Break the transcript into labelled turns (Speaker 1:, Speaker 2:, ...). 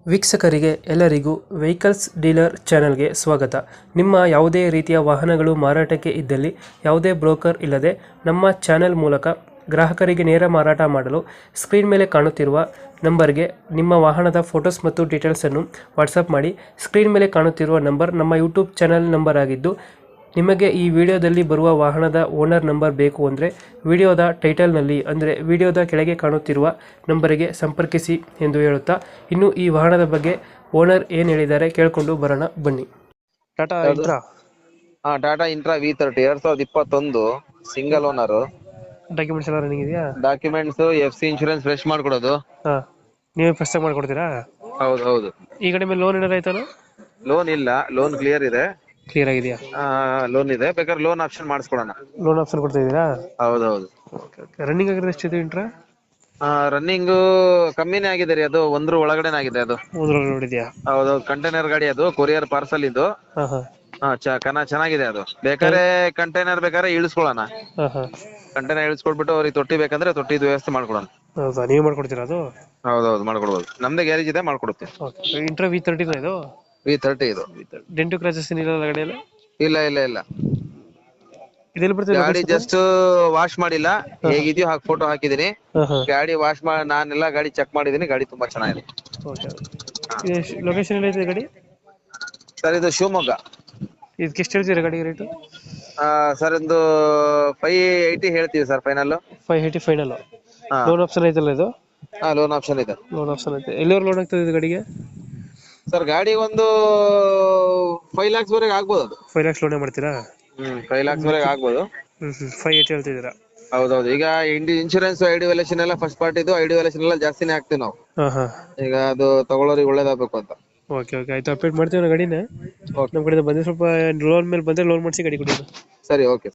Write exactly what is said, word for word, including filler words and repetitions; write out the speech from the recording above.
Speaker 1: ವೀಕ್ಷಕರಿಗೆ ಎಲ್ಲರಿಗೂ vehicles dealer ಚಾನೆಲ್ಗೆ ಸ್ವಾಗತ. ನಿಮ್ಮ ಯಾವುದೇ ರೀತಿಯ ವಾಹನಗಳು ಮಾರಾಟಕ್ಕೆ ಇದ್ದಲ್ಲಿ ಯಾವುದೇ ಬ್ರೋಕರ್ ಇಲ್ಲದೆ ನಮ್ಮ ಚಾನೆಲ್ ಮೂಲಕ ಗ್ರಾಹಕರಿಗೆ ನೇರ ಮಾರಾಟ ಮಾಡಲು ಸ್ಕ್ರೀನ್ ಮೇಲೆ ಕಾಣುತ್ತಿರುವ ನಂಬರ್ಗೆ ನಿಮ್ಮ ವಾಹನದ ಫೋಟೋಸ್ ಮತ್ತು ಡೀಟೇಲ್ಸನ್ನು ವಾಟ್ಸಪ್ ಮಾಡಿ. ಸ್ಕ್ರೀನ್ ಮೇಲೆ ಕಾಣುತ್ತಿರುವ ನಂಬರ್ ನಮ್ಮ ಯೂಟ್ಯೂಬ್ ಚಾನೆಲ್ ನಂಬರ್ ಆಗಿದ್ದು, ನಿಮಗೆ ಈ ವಿಡಿಯೋದಲ್ಲಿ ಬರುವ ವಾಹನದ ಓನರ್ ನಂಬರ್ ಬೇಕು ಅಂದರೆ ವಿಡಿಯೋದ ಟೈಟಲ್ನಲ್ಲಿ ಅಂದರೆ ವಿಡಿಯೋದ ಕೆಳಗೆ ಕಾಣುತ್ತಿರುವ ನಂಬರಿಗೆ ಸಂಪರ್ಕಿಸಿ ಎಂದು ಹೇಳುತ್ತಾ, ಇನ್ನು ಈ ವಾಹನದ ಬಗ್ಗೆ ಓನರ್ ಏನು ಹೇಳಿದ್ದಾರೆ ಕೇಳಿಕೊಂಡು ಬರೋಣ ಬನ್ನಿ. ಟಾಟಾ ಇಂಟ್ರಾ
Speaker 2: ಹಾ ಟಾಟಾ ಇಂಟ್ರಾ ವಿ ತರ್ಟಿ ಎರಡ್ ಸಾವಿರದ ಇಪ್ಪತ್ತೊಂದು ಸಿಂಗಲ್ ಓನರ್.
Speaker 1: ಡಾಕ್ಯುಮೆಂಟ್ಸ್ ಎಲ್ಲ ರನ್ನಿಂಗ್ ಇದೆಯಾ?
Speaker 2: Documents F C insurance fresh ಮಾಡ್ಕೊಡೋದು.
Speaker 1: ಹಾಂ, ನೀವೇ ಫಸ್ಟ್ ಟೈಮ್ ಮಾಡ್ಕೊಡ್ತೀರಾ?
Speaker 2: ಹೌದು ಹೌದು.
Speaker 1: ಈ ಕಡೆ ಮೇಲೆ ಲೋನ್ ಏನಾರು ಆಯ್ತಾನ?
Speaker 2: ಲೋನ್ ಇಲ್ಲ, ಲೋನ್ ಕ್ಲಿಯರ್ ಇದೆ.
Speaker 1: ಕ್ಲಿಯರ್ ಆಗಿದೆಯಾ?
Speaker 2: ಲೋನ್ ಇದೆ, ಬೇಕಾದ್ರೆ ಲೋನ್ ಆಪ್ಷನ್ ಮಾಡಿಸ್ಕೊಡೋಣ.
Speaker 1: ಲೋನ್ ಆಪ್ಷನ್ ಕೊಡ್ತಾ ಇದ್ದೀರಾ?
Speaker 2: ಹೌದು ಹೌದು.
Speaker 1: ರನ್ನಿಂಗ್ ಆಗಿರೋದು ಎಷ್ಟಿದೆ ಇಂಟ್ರಾ?
Speaker 2: ರನ್ನಿಂಗ್ ಕಮ್ಮಿನೇ ಆಗಿದೆ ರೀ, ಅದು ಒಂದ್ರ ಒಳಗಡೆನೆ ಆಗಿದೆ. ಅದು
Speaker 1: ಒಂದ್ರಲ್ಲಿ ನೋಡಿದ್ಯಾ?
Speaker 2: ಹೌದು, ಕಂಟೈನರ್ ಗಾಡಿ, ಅದು ಕೊರಿಯರ್ ಪಾರ್ಸಲ್ ಇದು.
Speaker 1: ಹಾಂ ಹಾಂ
Speaker 2: ಹಾ ಕನ ಚೆನ್ನಾಗಿದೆ ಅದು. ಬೇಕಾದ್ರೆ ಕಂಟೈನರ್ ಬೇಕಾದ್ರೆ ಇಳಿಸ್ಕೊಳ್ಳೋಣ.
Speaker 1: ಹಾಂ ಹಾಂ
Speaker 2: ಕಂಟೈನರ್ ಇಳಿಸ್ಕೊಟ್ಬಿಟ್ಟು ಅವ್ರಿಗೆ ತೊಟ್ಟಿ ಬೇಕಂದ್ರೆ ತೊಟ್ಟಿದು ವ್ಯವಸ್ಥೆ ಮಾಡ್ಕೊಡೋಣ.
Speaker 1: ಹೌದಾ, ನೀವು ಮಾಡ್ಕೊಡ್ತೀರಾ ಅದು?
Speaker 2: ಹೌದೌದು, ಮಾಡ್ಕೊಡ್ಬೋದು. ನಮ್ದೇ ಗ್ಯಾರೇಜ್ ಇದೆ, ಮಾಡ್ಕೊಡುತ್ತೆ.
Speaker 1: ಓಕೆ. ಇಂಟ್ರಾ ವಿ ತರ್ಟಿನ ಇದು?
Speaker 2: ವಿ ತರ್ಟಿ ಇದು.
Speaker 1: ಡೆಂಟು ಕ್ರಾಚಸ್ ಏನಿಲ್ಲ ಗಾಡಿಯಲ್ಲಿ?
Speaker 2: ಇಲ್ಲ ಇಲ್ಲ ಇಲ್ಲ,
Speaker 1: ಇದೆಲ್ಲಿ ಬರ್ತದೆ
Speaker 2: ಗಾಡಿ ಜಸ್ಟ್ ವಾಶ್ ಮಾಡಿಲ್ಲ, ಹೇಗಿದೆಯೋ ಹಾಗೆ ಫೋಟೋ ಹಾಕಿದೀನಿ.
Speaker 1: ಹಾಂ ಹಾಂ
Speaker 2: ಗಾಡಿ ವಾಶ್ ಮಾಡಿ ನಾನೆಲ್ಲ ಗಾಡಿ ಚೆಕ್ ಮಾಡಿದೀನಿ, ಗಾಡಿ ತುಂಬಾ ಚೆನ್ನಾಗಿದೆ.
Speaker 1: ಓಕೆ. ಲೊಕೇಶನ್ ಎಲ್ಲೈತೆ ಗಾಡಿ?
Speaker 2: ಸರ್ ಇದು ಶಿವಮೊಗ್ಗ.
Speaker 1: ಇದಕ್ಕೆ ಎಷ್ಟು ಹೇಳ್ತೀರಾ ಗಾಡಿ ರೇಟು?
Speaker 2: ಸರ್ ಒಂದು ಫೈವ್ ಏಯ್ಟಿ ಹೇಳ್ತೀವಿ sir final.
Speaker 1: Five eighty final.
Speaker 2: ಹಾ
Speaker 1: ಲೋನ್ ಆಪ್ಷನ್ ಐತಲ್ಲ ಇದು?
Speaker 2: ಹಾ ಲೋನ್ ಆಪ್ಷನ್ ಇದೆ.
Speaker 1: ಲೋನ್ ಆಪ್ಷನ್ ಐತೆ. ಎಲ್ಲಿವರೆಗೆ ಲೋನ್ ಆಗ್ತದೆ ಇದು ಗಾಡಿಗೆ?
Speaker 2: ಸರ್ ಗಾಡಿ ಒಂದು ಫೈವ್ ಲ್ಯಾಕ್ಸ್ ವರೆಗೆ ಆಗ್ಬೋದು ಅದು.
Speaker 1: ಫೈವ್ ಲ್ಯಾಕ್ಸ್ ಲೋನೇ ಮಾಡ್ತೀರಾ?
Speaker 2: ಹ್ಮ್ ಫೈವ್ ಲ್ಯಾಕ್ಸ್ ವರೆಗೆ ಆಗ್ಬೋದು.
Speaker 1: ಹ್ಮ್ ಹ್ಮ್ ಫೈವ್ ಏಯ್ಟಿ ಹೇಳ್ತಿದ್ದೀರಾ?
Speaker 2: ಹೌದೌದು. ಈಗ ಇಂಡಿ ಇನ್ಶೂರೆನ್ಸ್ ಐಡಿ ವ್ಯಾಲ್ಯೂಷನ್ ಎಲ್ಲ ಫಸ್ಟ್ ಪಾರ್ಟಿದು ಐಡಿ ವ್ಯಾಲ್ಯೂಷನ್ ಎಲ್ಲ ಜಾಸ್ತಿನೇ ಹಾಕ್ತಿವಿ ನಾವು.
Speaker 1: ಹಾಂ ಹಾಂ
Speaker 2: ಈಗ ಅದು ತಗೊಳ್ಳೋರಿಗೆ ಒಳ್ಳೇದಾಗಬೇಕು ಅಂತ.
Speaker 1: ಓಕೆ ಓಕೆ ಆಯ್ತು, ಅಪ್ಡೇಟ್ ಮಾಡ್ತೀವಿ ನಾವು ಗಾಡಿನ.
Speaker 2: ಓಕೆ
Speaker 1: ನಮ್ಮ ಕಡೆಯಿಂದ ಬಂದರೆ ಸ್ವಲ್ಪ ಲೋನ್ ಮೇಲೆ ಬಂದರೆ ಲೋನ್ ಮಾಡಿಸಿ ಗಾಡಿ ಕೊಡಿ.
Speaker 2: ಸರಿ, ಓಕೆ.